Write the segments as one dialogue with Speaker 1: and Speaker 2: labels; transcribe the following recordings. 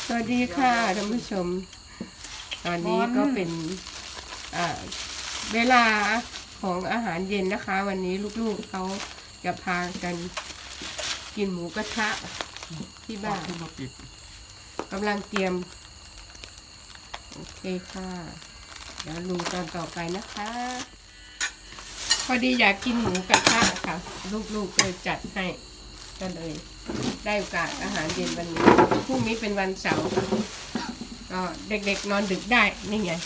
Speaker 1: สวัสดีค่ะท่านผู้ชมตอนนี้ก็เป็นเวลาของอาหารเย็นนะคะ วันนี้ลูกๆเขาจะพากันกินหมูกระทะที่บ้านกำลังเตรียมโอเคค่ะเดี๋ยวดูตอนต่อไปนะคะพอดีอยากกินหมูกระทะค่ะลูกๆเลยจัดให้ก็เลยได้โอกาสอาหารเย็นวันนี้พรุ่งนี้เป็นวันเสาร์ก็เด็กๆนอนดึกได้นี่ไง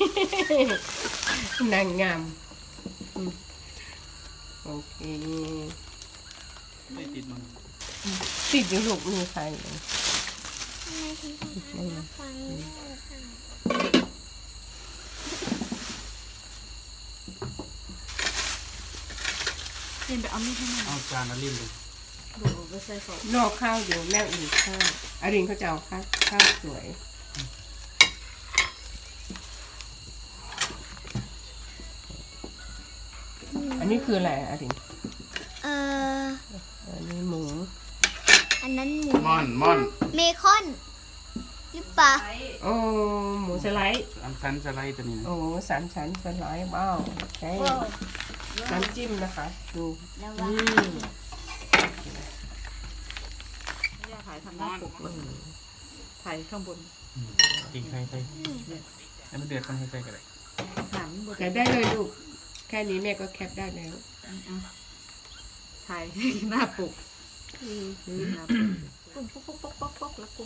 Speaker 1: นางงามโอเค
Speaker 2: ไม่ติดมัน
Speaker 1: ติดอยู่ลูกมีใครเลย
Speaker 3: ลินไปเอามีดให้หน่อย
Speaker 2: เอาจานมาลิ้นเลย
Speaker 3: ดูไปใส่ของ
Speaker 1: นอกข้าวอยู่แม่อุ่นข้าวอรินเขาจะเอาข้าวสวยอันนี้คืออะไรอรินอันนี้หมู
Speaker 4: อันนั้นหมู
Speaker 2: ม่อน
Speaker 4: เมคอนหรือเปล่า
Speaker 1: โอ้หมูสไลด์
Speaker 2: อันชั้นสไลด์ตัวนี้นะ
Speaker 1: โอ้สามชั้นสไลด์ว้าวโอเคน้ำจิ้มนะคะดู
Speaker 4: แล้วว่า
Speaker 3: ไม่ได้ถ่ายทำหน้าปกเลยถ่ายข้างบน
Speaker 2: กินใครใส่ให้มันเดือดต้องให้ใส่กันเลย
Speaker 3: หนังบน
Speaker 1: แต่ได้เลยลูกแค่นี้แม่ก็แคปได้แล้ว
Speaker 3: ถ่ายหน้าปกกุ้งป๊อกป๊อกป๊อกป๊อกแล้วกุ้ง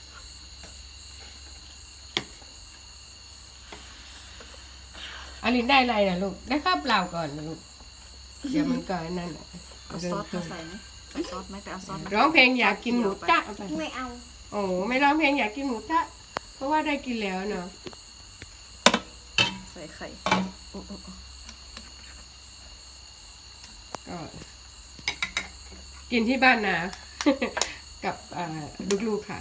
Speaker 1: อลินได้อะไรนะลูกได้ข้าวเปล่าก่อนนะลูกเดี๋ยวมันก็นั่นแหละ
Speaker 3: เอาซอสมาใส่ไหมใส่ซอสไหมแต่เอาซอส
Speaker 1: ร้องเพลงอยากกินหมูตะไป
Speaker 4: ไม่เอา
Speaker 1: โอ้ไม่ร้องเพลงอยากกินหมูตะเพราะว่าได้กินแล้วเนาะ
Speaker 3: ใส่ไข่โอ้โอ้
Speaker 1: ก็กินที่บ้านนะ กับลูกๆค่ะ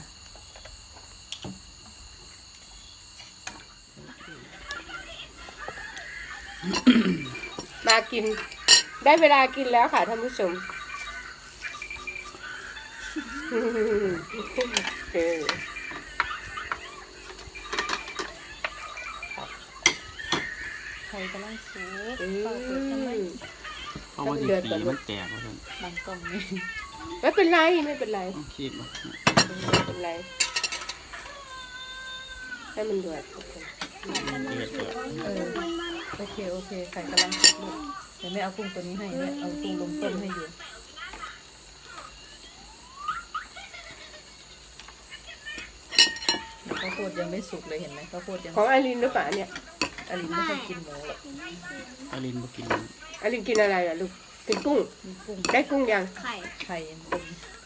Speaker 1: มากินได้เวลากินแล้วค่ะท่านผู้ชม
Speaker 3: ไข่กำลังสุก
Speaker 2: เพราะว่าดีปีมันแตกว่าท่าน
Speaker 3: บางกล่องนี่
Speaker 1: ไม่เป็นไรไม่เป็นไร
Speaker 2: ต้องขีดมา
Speaker 1: ไม่เป็นไรให้มันเดือดโอเค
Speaker 2: เดือดเดือด
Speaker 3: โอเคโอเคไข่กำลังสุกลูกเดี๋ยวแม่เอากุ้งตัวนี้ให้แม่เอากุ้งลงต้มให้อยู่ข้าวโพดยังไม่สุกเลยเห็นไหมข้าวโพดยัง
Speaker 1: ของไอรินหรือเปล่าเนี่ย
Speaker 3: อลินไม่ค่อยกินหมูหรอก
Speaker 2: อาลินมากิน
Speaker 1: ไอรินกินอะไรล่ะลูกกินกุ้ง
Speaker 3: มีกุ้ง
Speaker 1: ได้กุ้งยัง
Speaker 4: ไข่
Speaker 3: ไข่ยังเป็น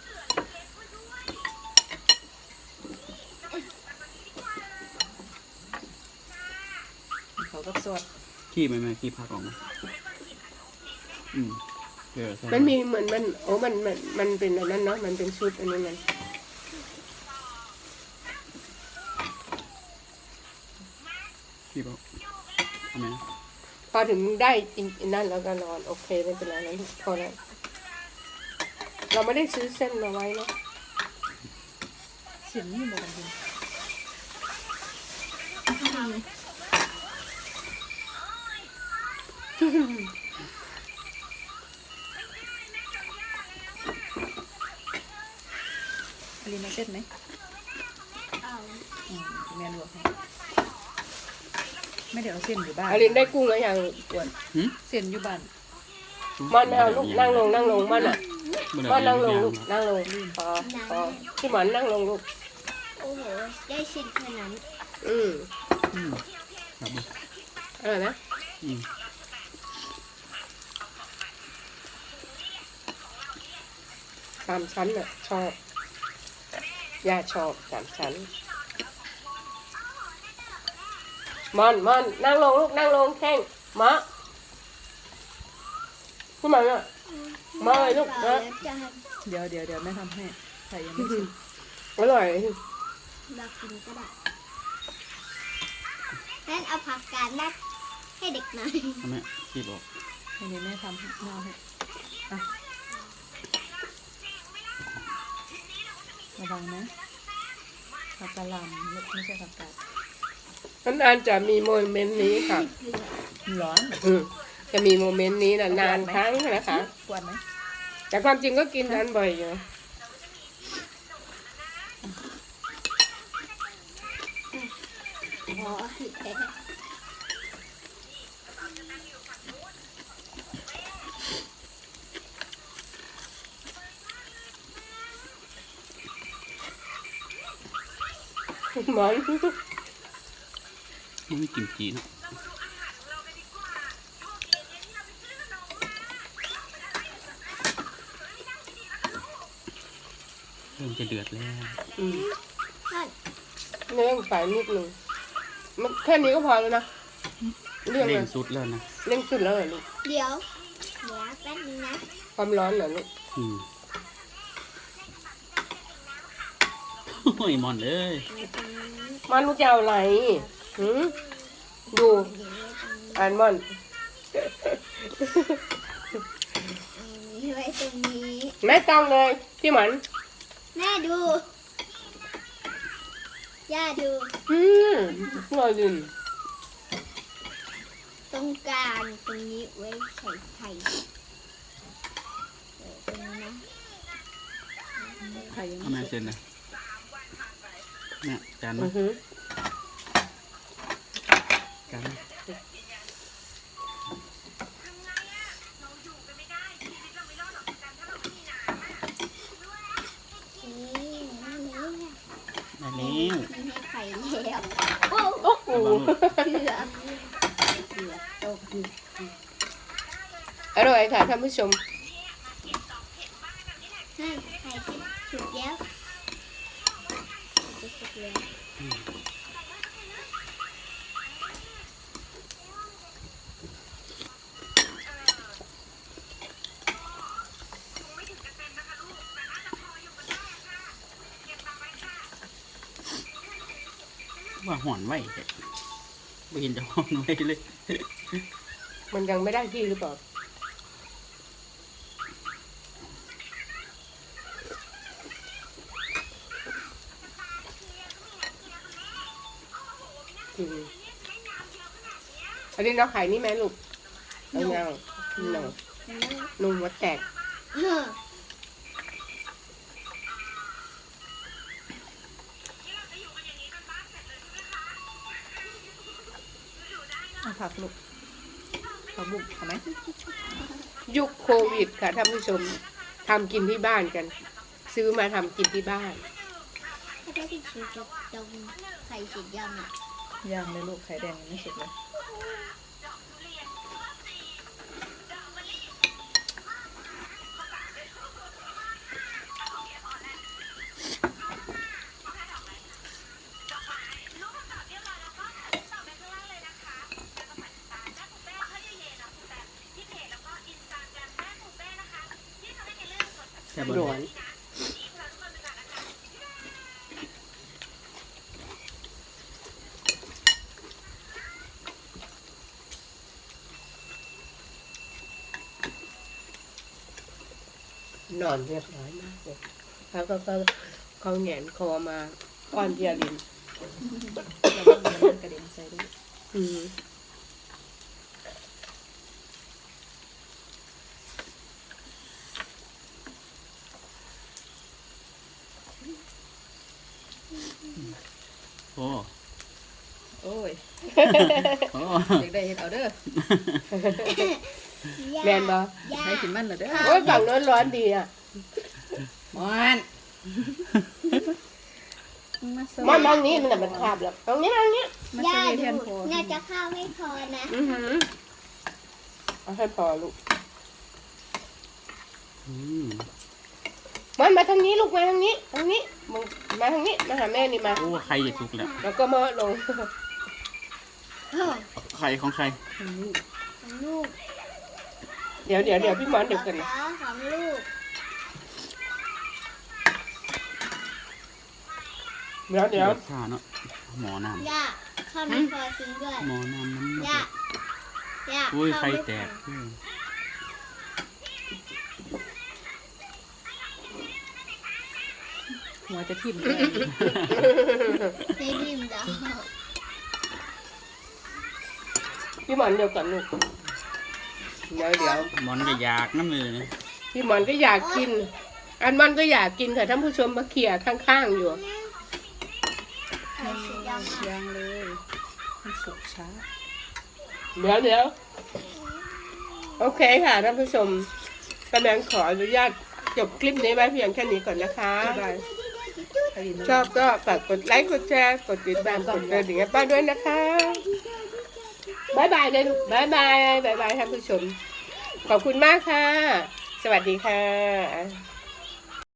Speaker 3: เขาก็สด
Speaker 2: ขี้ไหมขี้พักออกมาเดือด
Speaker 1: มันมีเหมือนมันโอ้มันเป็นอันนั้นเนาะมันเป็นชุดอันนี้มัน
Speaker 2: ขี้บอกทำไม
Speaker 1: พอถึงได้กินนั่นแล้วก็นอนโอเคไม่เป็นไรแล้วพอแล้วเราไม่ได้ซื้อเส้นมาไว้เนาะ
Speaker 3: เสียงนี่บอกกันดีอลินเอาเส้นไหม
Speaker 4: เอา
Speaker 3: แม่ลวกให้ไม่ได้เอาเส้นอยู่บ้าน
Speaker 1: ไอรินได้กุ้งแล้วยังอ้วน
Speaker 3: เส้นอยู่บ้าน
Speaker 1: มันไม่เอาลูกนั่งลงมันอ่ะมันนั่งลงลูกนั่งลงพอที่หมอนนั่งลงลูก
Speaker 4: โอ้โหได้ชิ้นขนาดนั้น
Speaker 2: ครับ
Speaker 1: อร่อยไหมสามชั้นอ่ะชอบย่าชอบสามชั้นมอนนั่งลงลูกนั่งลงแข้งมะขึ้นมาเนี่ยมาเลยลูกนะ
Speaker 3: เดี๋ยวแม่ทำให้ไข่ยังไม่สุก
Speaker 1: อร่อย
Speaker 4: เรากินก็ได้งั้นเอาผักกาดนัดให้เด็กหน่อย
Speaker 2: ทำไมขี้บอก
Speaker 3: อันนี้แม่ทำให้แม่เอาให้อ่ะระวังนะผักกะหล่ำไม่ใช่ผักกาด
Speaker 1: นานๆจะมีโมเมนต์นี้ค่ะ
Speaker 3: ร้อน
Speaker 1: จะมีโมเมนต์นี้นานๆครั้งนะคะ
Speaker 3: กวนไหม
Speaker 1: แต่ความจริงก็กินทานบ่อยอยู่
Speaker 4: อ๋อแพ้
Speaker 1: หมอน
Speaker 2: ไม่มีกิมจิเนาะเริ่มจะเดือดแล้ว
Speaker 4: นั่น
Speaker 1: เนื้อไฟนิดนึงมันแค่นี้ก็พอแล้วนะเรื่อง
Speaker 2: เร่
Speaker 1: เล
Speaker 2: ง
Speaker 1: ย
Speaker 2: สุดแล้วนะ
Speaker 1: เร่งสุดแล้วเหรอลูก
Speaker 4: เดี๋ยวแป๊บนึงนะ
Speaker 1: ความร้อนเหรอลูก
Speaker 2: อืมโอ้ยมอนเอ้ย
Speaker 1: มันลูกจะเอาอะไรหืมดูอ่านมอน
Speaker 4: นี่ไว้ตรงนี้
Speaker 1: ไม่ต้องเลยพี่หมัน
Speaker 4: แม่ดู ย่าดู
Speaker 1: รอยืน
Speaker 4: ตรงกลางตรงนี้ไว้ใส่ไข่ตรงนี้นะ
Speaker 3: ไข่ยัง
Speaker 2: เอา
Speaker 3: ไม่
Speaker 2: มา
Speaker 3: เสร็จ
Speaker 2: เซ็นนะเนี่ยจาน
Speaker 1: อื
Speaker 2: มา
Speaker 1: อหือ
Speaker 2: จานมา
Speaker 4: นี่นี่
Speaker 2: ได้แล้ว
Speaker 4: มีให้ไข่แล้วโอ้
Speaker 1: โอ้โห
Speaker 4: เกือบตก
Speaker 1: อร่อยค่ะท่านผู้ชม
Speaker 4: นั่นไข่สุกแล้วจะสุกแล้ว
Speaker 2: ว่าห่อนไหวแท้ไม่เห็นจะห่อนไหวเลย
Speaker 1: มันยังไม่ได้ที่หรือเปล่าอืมอันนี้เราขายนี่ไหมลูกเอาเงาหนนุ่มวัดแตก
Speaker 3: เอาผักลูกผักบุ้งเอาไหม
Speaker 1: ยุคโควิดค่ะท่านผู้ชมทำกินที่บ้านกัน ซื้อมาทำกินที่บ้าน
Speaker 4: ถ้าได้ที่สุกจะตรงไข่สุกยังอ่ะ
Speaker 3: ย่างเลยลูกไข่แดงยังไม่สุกเลย
Speaker 2: แค่บ
Speaker 1: ร้อน นอนเรียบร้อยมากเลยเขาก็เขาแหงนคอมาป้อนเพียริน
Speaker 3: แล้วก็มีน้ำกระเด็นใส่ด้วย
Speaker 1: อืม
Speaker 2: โอ้
Speaker 3: โอ้ย
Speaker 2: โอ้
Speaker 3: เด็กได้เห็ดเอาเด้อ
Speaker 1: แมนบอ
Speaker 4: ย่า
Speaker 3: ให้กินมันเหรอเด้อ
Speaker 1: โอ้ยฝั่งโน้นร้อนดีอ่ะ
Speaker 3: มอนมาเสิร์ฟ
Speaker 1: มันทางนี้มันน่ะมันคาบแล้วตรงนี้ทางนี้
Speaker 3: มา
Speaker 4: ย่า
Speaker 3: เสิร์ฟให้แทน
Speaker 4: ดู
Speaker 3: โพ
Speaker 4: น่าจะข้าวไม่พอนะ
Speaker 1: อือหือเอาให้พอลูก
Speaker 2: อืม
Speaker 1: มันมาทางนี้ลูกมาทางนี้มึงมาทางนี้มาหาแม่นี่มา
Speaker 2: โอ้ใครจะสุกแล้ว
Speaker 1: แล้วก็มาลง
Speaker 2: ใครของใคร
Speaker 4: ของลูก
Speaker 1: เดี๋ยวพี่หมอนเดี๋ยวกันนะ
Speaker 4: ของลูก
Speaker 1: เดี๋ยว
Speaker 2: เดือดชาเนาะหมอน้
Speaker 4: ย่าข้าวไม่พอจริงด้วย
Speaker 2: ำหมอน้ำมัน
Speaker 4: ย่าย่า
Speaker 2: อุ้ย
Speaker 4: ข้าว
Speaker 2: ใคร
Speaker 4: ไม่พอ
Speaker 2: แตกอืม
Speaker 3: หมหัวจะทิ่ม
Speaker 4: ไม่ริมแล้ว
Speaker 1: พี่หมอนเดี๋ยวก่อนลูกเดี๋ยว
Speaker 2: หมอนก็อยากน้ำมือนะ
Speaker 1: พี่หมอนก็อยากกิน อันมันก็อยากกินค่ะท่านผู้ชมมาเขี่ยข้างๆอยู่
Speaker 4: ไข่สุกยังอ่ะ
Speaker 3: ยังเลยมันสุกช้า
Speaker 1: เดี๋ยวโอเคค่ะท่านผู้ชมกำลังขออนุญาตจบคลิปนี้ไว้เพียงแค่นี้ก่อนนะคะ ชอบก็ฝากกดไลค์กดแชร์กดติดตามกดกระดิ่งให้ป้าด้วยนะคะบ๊ายบายเลยลูกบ๊ายบายท่านผู้ชมขอบคุณมากค่ะ สวัสดีค่ะ